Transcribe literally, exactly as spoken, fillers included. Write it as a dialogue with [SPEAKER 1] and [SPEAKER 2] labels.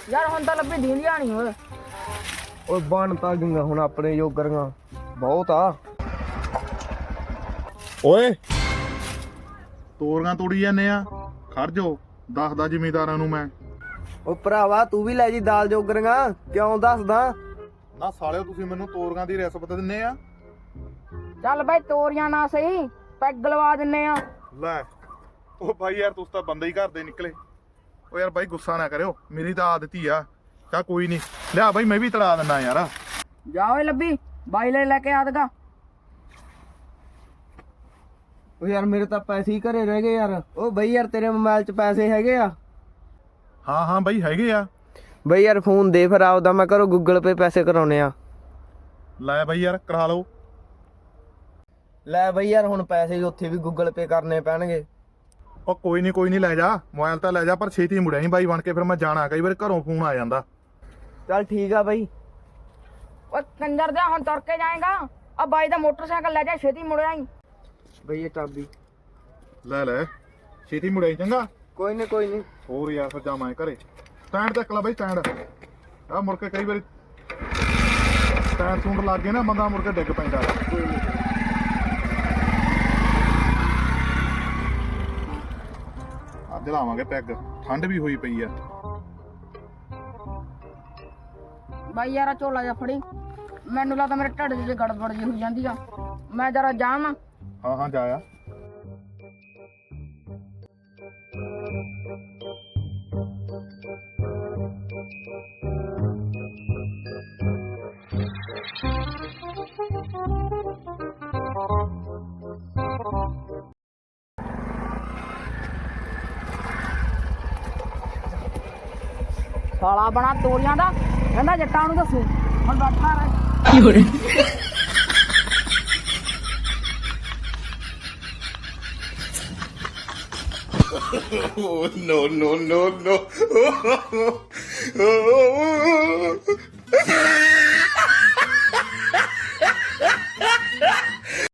[SPEAKER 1] ਯਾਰ ਹੁਣ ਤਾਂ ਲੱਭੀ ਦੀਂਦੀਆਂ ਨਹੀਂ ਓਏ।
[SPEAKER 2] ਓਏ ਬਣ ਤਾਂ ਗਈਆਂ ਹੁਣ ਆਪਣੇ ਜੋਗਰੀਆਂ ਬਹੁਤ ਆ।
[SPEAKER 3] ਓਏ ਤੋਰੀਆਂ ਤੋੜੀ ਜਾਂਦੇ ਆ, ਖੜ ਜਾਓ ਦੱਸਦਾ ਜ਼ਿਮੀਦਾਰਾਂ ਨੂੰ ਮੈਂ।
[SPEAKER 2] ਓ ਭਰਾਵਾ ਤੂੰ ਵੀ ਲੈ ਜੀ ਦਾਲ ਜੋਗਰੀਆਂ, ਕਿਉਂ ਦੱਸਦਾ?
[SPEAKER 3] ਨਾ ਸਾਲਿਓ ਤੁਸੀਂ ਮੈਨੂੰ ਤੋਰੀਆਂ ਦੀ ਰਿਸ਼ਵਤ ਦਿੰਨੇ ਆ।
[SPEAKER 1] ਚੱਲ ਬਾਈ ਤੋਰੀਆਂ ਨਾ ਸਹੀ ਪੈਗ ਲਵਾ ਦਿੰਨੇ ਆ।
[SPEAKER 3] ਲੈ ਉਹ ਬਾਈ ਯਾਰ ਤੁਸੀਂ ਤਾਂ ਬੰਦੇ ਹੀ ਘਰ ਦੇ ਨਿਕਲੇ। ਓ ਯਾਰ ਬਾਈ ਗੁੱਸਾ ਨਾ ਕਰਿਓ, ਮੇਰੀ ਤਾਂ ਆਦਤ ਹੀ ਆ। ਚਾ ਕੋਈ ਨਹੀਂ, ਲਿਆ ਬਾਈ ਮੈਂ ਵੀ ਤੜਾ ਦਿੰਦਾ ਯਾਰ।
[SPEAKER 1] ਜਾ ਓਏ ਲੱਭੀ ਬਾਈ ਲੈ ਲੈ ਕੇ ਆ ਦਗਾ।
[SPEAKER 2] ਓ ਯਾਰ ਮੇਰੇ ਤਾਂ ਪੈਸੇ ਹੀ ਘਰੇ ਰਹਿ ਗਏ ਯਾਰ। ਓ ਬਈ ਯਾਰ ਤੇਰੇ ਮੋਬਾਈਲ 'ਚ ਪੈਸੇ ਹੈਗੇ ਆ?
[SPEAKER 3] ਹਾਂ ਹਾਂ ਬਾਈ ਹੈਗੇ ਆ।
[SPEAKER 2] ਬਈ ਯਾਰ ਫੋਨ ਦੇ ਫਿਰ ਆਪਦਾ, ਮੈਂ ਘਰੋਂ ਗੂਗਲ ਪੇ ਪੈਸੇ ਕਰਾਉਣੇ ਆ।
[SPEAKER 3] ਲੈ ਬਾਈ ਯਾਰ ਕਰਾ ਲਓ।
[SPEAKER 2] ਲੈ ਬਈ ਯਾਰ ਹੁਣ ਪੈਸੇ ਉੱਥੇ ਵੀ ਗੂਗਲ ਪੇ ਕਰਨੇ ਪੈਣਗੇ।
[SPEAKER 3] ਉਹ ਕੋਈ ਨਹੀਂ ਕੋਈ ਨਹੀਂ ਲੈ ਜਾ, ਮੋਬਾਈਲ ਤਾਂ ਲੈ ਜਾ, ਪਰ ਛੇਤੀ ਮੁੜਿਆ ਨਹੀਂ ਬਾਈ ਬਣ ਕੇ, ਫਿਰ ਮੈਂ ਜਾਣਾ, ਕਈ ਵਾਰ ਘਰੋਂ ਫੋਨ ਆ ਜਾਂਦਾ।
[SPEAKER 2] ਚੱਲ ਠੀਕ ਆ ਬਈ।
[SPEAKER 1] ਓ ਕੰਜਰ ਦੇ ਹੁਣ ਤੁਰ ਕੇ ਜਾਏਗਾ। ਆ ਬਾਈ ਦਾ ਮੋਟਰਸਾਈਕਲ ਲੈ ਜਾ, ਛੇਤੀ ਮੁੜਿਆ ਹੀ।
[SPEAKER 2] ਬਈ ਇਹ ਚਾਬੀ
[SPEAKER 3] ਲੈ ਲੈ ਛੇਤੀ ਮੁੜਿਆ ਚੰਗਾ।
[SPEAKER 2] ਕੋਈ ਨਹੀਂ ਕੋਈ ਨਹੀਂ।
[SPEAKER 3] ਹੋਰ ਯਾਰ ਫਿਰ ਜਾਵਾਂ ਘਰੇ। ਸਟੈਂਡ ਤੱਕ ਲਾ ਬਾਈ ਸਟੈਂਡ। ਆ ਮੁੜ ਕੇ ਕਈ ਵਾਰੀ ਸਟੈਂਡ ਸੂੰਡ ਲੱਗ ਗਏ ਨਾ, ਬੰਦਾ ਮੁੜ ਕੇ ਡਿੱਗ ਪੈਂਦਾ। ਅੱਜ ਲਾਵਾਂਗੇ ਪੈਗ, ਠੰਡ ਵੀ ਹੋਈ ਪਈ ਆ।
[SPEAKER 1] ਬਾਈ ਯਾਰ ਝੋਲਾ ਜਾ ਫੜੀ, ਮੈਨੂੰ ਲੱਗਦਾ ਮੇਰੇ ਢਿੱਡ 'ਚ ਗੜਬੜ ਜਿਹੀ ਹੋਈ ਜਾਂਦੀ ਆ। ਮੈਂ ਜਰਾ ਜਾਵਾਂ।
[SPEAKER 3] ਹਾਂ ਹਾਂ ਜਾਇਆ।
[SPEAKER 1] ਸਾਲਾ ਬਣਾ ਤੋਰੀਆਂ ਦਾ, ਕਹਿੰਦਾ ਜੱਟਾਂ ਨੂੰ ਦੱਸੂ। ਹੁਣ ਬੈਠਾ ਰਹਿ।
[SPEAKER 3] Oh no no no no!